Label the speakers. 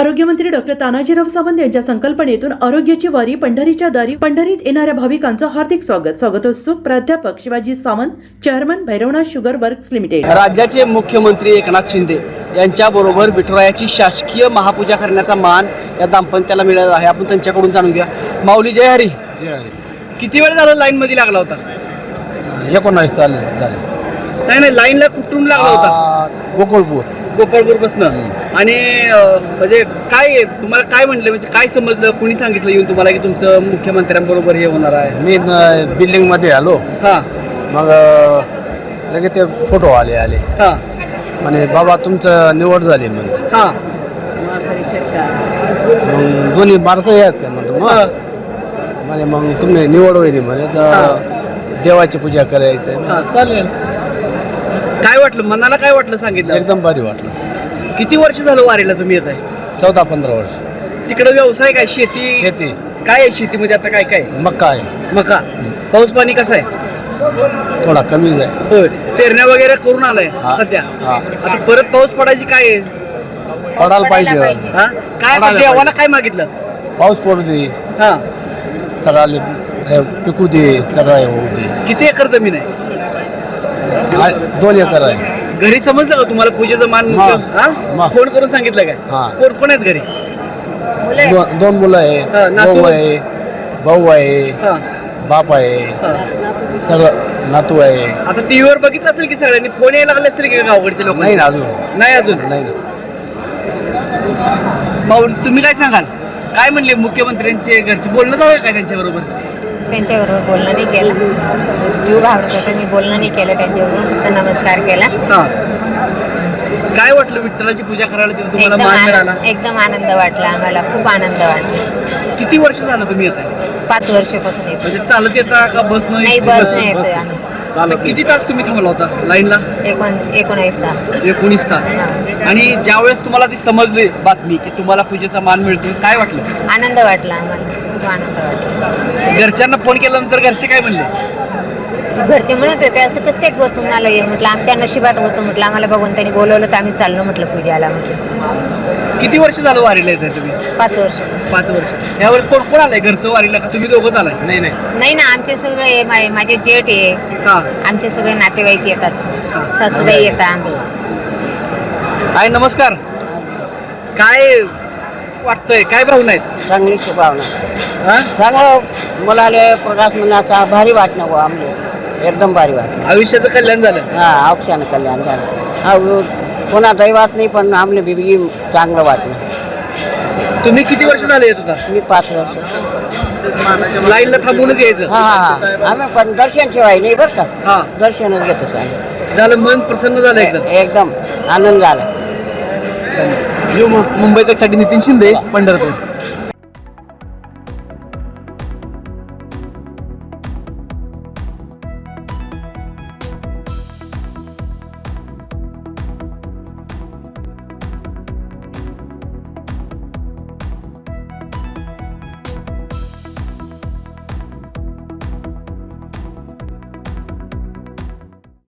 Speaker 1: आरोग्यमंत्री डॉक्टर तानाजीराव सावंत यांच्या संकल्पनेतून आरोग्याची वारी पंढरीच्या दारी, पंढरीत येणाऱ्या भाविकांचं हार्दिक स्वागतोत्सुक प्राध्यापक Shivaji Sawant, chairman Bhairavnath sugar works limited.
Speaker 2: राज्याचे मुख्यमंत्री एकनाथ शिंदे यांच्याबरोबर विठुरायाची शासकीय महापूजा करण्याचा मान या दाम्पत्याला मिळाला आहे। आपण त्यांच्याकडून जाणून घ्या। माऊली जय हरी।
Speaker 3: जय हरी।
Speaker 2: किती वेळ झालं लाईन मध्ये लागला होता?
Speaker 3: 19 झाले।
Speaker 2: नाही लाईनला कुठून लागला होता? गोपाळपूर बसनं। आणि म्हणजे काय तुम्हाला काय म्हणलं, म्हणजे काय समजलं, कोणी सांगितलं येऊन तुम्हाला की तुमचं मुख्यमंत्र्यांबरोबर हे होणार आहे?
Speaker 3: मी बिल्डिंग मध्ये आलो।
Speaker 2: हां
Speaker 3: मग लगेच ते फोटो आले
Speaker 2: हां
Speaker 3: म्हणे बाबा तुमचं निवड झाली म्हणे।
Speaker 2: हां
Speaker 3: मग दोन्ही मार्कळे आहेत का म्हणतो म्हणे मग तुम्ही निवड होईल म्हणे तर देवाची पूजा करायचं आहे। चालेल।
Speaker 2: काय वाटलं मनाला, काय वाटलं सांगितलं?
Speaker 3: एकदम भारी वाटलं।
Speaker 2: किती वर्ष झालं वारीला तुम्ही येत आहे?
Speaker 3: 14-15 वर्ष।
Speaker 2: तिकडे व्यवसाय काय? शेती काय आहे? शेतीमध्ये आता काय काय?
Speaker 3: मक्का आहे।
Speaker 2: मका। पाऊस पाणी कसं आहे?
Speaker 3: थोडा कमीच आहे।
Speaker 2: होय, पेरण्या वगैरे करून आलाय सध्या। आता परत पाऊस पडायची काय आहे?
Speaker 3: पडायला पाहिजे।
Speaker 2: हा काय आता देवाला काय मागितलं?
Speaker 3: पाऊस पडू दे,
Speaker 2: हा
Speaker 3: सगळ्याला पिकू दे, सगळं होऊ दे।
Speaker 2: किती एकर जमीन आहे?
Speaker 3: 2 एकर आहे।
Speaker 2: घरी समजलं का तुम्हाला पूजेचं मान? फोन करून सांगितलं काय? कोण कोण आहेत घरी?
Speaker 3: 2 मुलं आहे, भाऊ आहे, बाप आहे, सगळं नातू आहे।
Speaker 2: आता टीव्हीवर बघितलं असेल की सगळ्यांनी फोन यायला लागले असेल की गावकडचे लोक?
Speaker 3: नाही ना अजून।
Speaker 2: नाही ना। माऊली तुम्ही काय सांगाल? काय म्हणले मुख्यमंत्र्यांचे घरचे? बोलणं जाऊ काय त्यांच्याबरोबर?
Speaker 4: त्यांच्याबरोबर बोलणं नाही केलं। जीव घाबरत होता, मी बोलणं नाही केलं त्यांच्याबरोबर, फक्त नमस्कार केला।
Speaker 2: काय वाटलं विठ्ठलाची पूजा करायला तिथे तुम्हाला मान मिळाला?
Speaker 4: एकदम आनंद वाटला आम्हाला, खूप आनंद वाटला।
Speaker 2: किती वर्ष झालं तुम्ही येत आहे?
Speaker 4: 5 वर्षापासून येतो।
Speaker 2: म्हणजे चालत येता का बसनं?
Speaker 4: नाही, बसने येतोय आम्ही।
Speaker 2: किती तास तुम्ही थांबला होता लाईनला?
Speaker 4: 19 तास।
Speaker 2: 19 तास। आणि ज्यावेळेस तुम्हाला ती समजली बातमी की तुम्हाला पूजेचा मान मिळतो, काय वाटलं?
Speaker 4: आनंद वाटला आम्हाला, खूप आनंद वाटला।
Speaker 2: घरच्यांना फोन केल्यानंतर घरचे काय म्हणले?
Speaker 4: घरचे म्हणत होते असं कसं काय तुम्हाला ये, म्हटलं आमच्या नशिबात होतं, म्हटलं आम्हाला भगवंतानी बोलवलं तर आम्ही चाललो म्हटलं पूजाला। म्हटलं
Speaker 2: किती वर्ष झालं वारीला येत आहे तुम्ही?
Speaker 4: 5 वर्ष।
Speaker 2: 5 वर्ष। यावेळेस कोण कोण आलंय घरचं वारीला, का तुम्ही दोघंच आलाय?
Speaker 4: नाही ना, आमचे सगळे माझे जेठ आहे, आमचे सगळे नातेवाईक येतात, सासूबाई येतात।
Speaker 2: हाय नमस्कार। काय वाटतंय, काय भावना आहेत?
Speaker 5: चांगली भावना, चांगलं मुलाले प्रकाश मनाचा भारी वाटणं गो आमले, एकदम भारी वाटणं।
Speaker 2: आयुष्याचं कल्याण झालं?
Speaker 5: औक्षानं कल्याण झालं। कोणा दैवात नाही पण आमले बिबी चांगलं वाटणं।
Speaker 2: तुम्ही किती वर्ष झाले येत होता?
Speaker 5: मी 5 वर्ष।
Speaker 2: लाईनला थांबूनच यायचं?
Speaker 5: आम्ही पण दर्शन ठेवाय नाही बरं का, दर्शनच घेत होतो।
Speaker 2: झालं, मन प्रसन्न झालं
Speaker 5: एकदम आनंद झाला।
Speaker 2: मुंबई तक साठी नितीन शिंदे, पंढरपूर।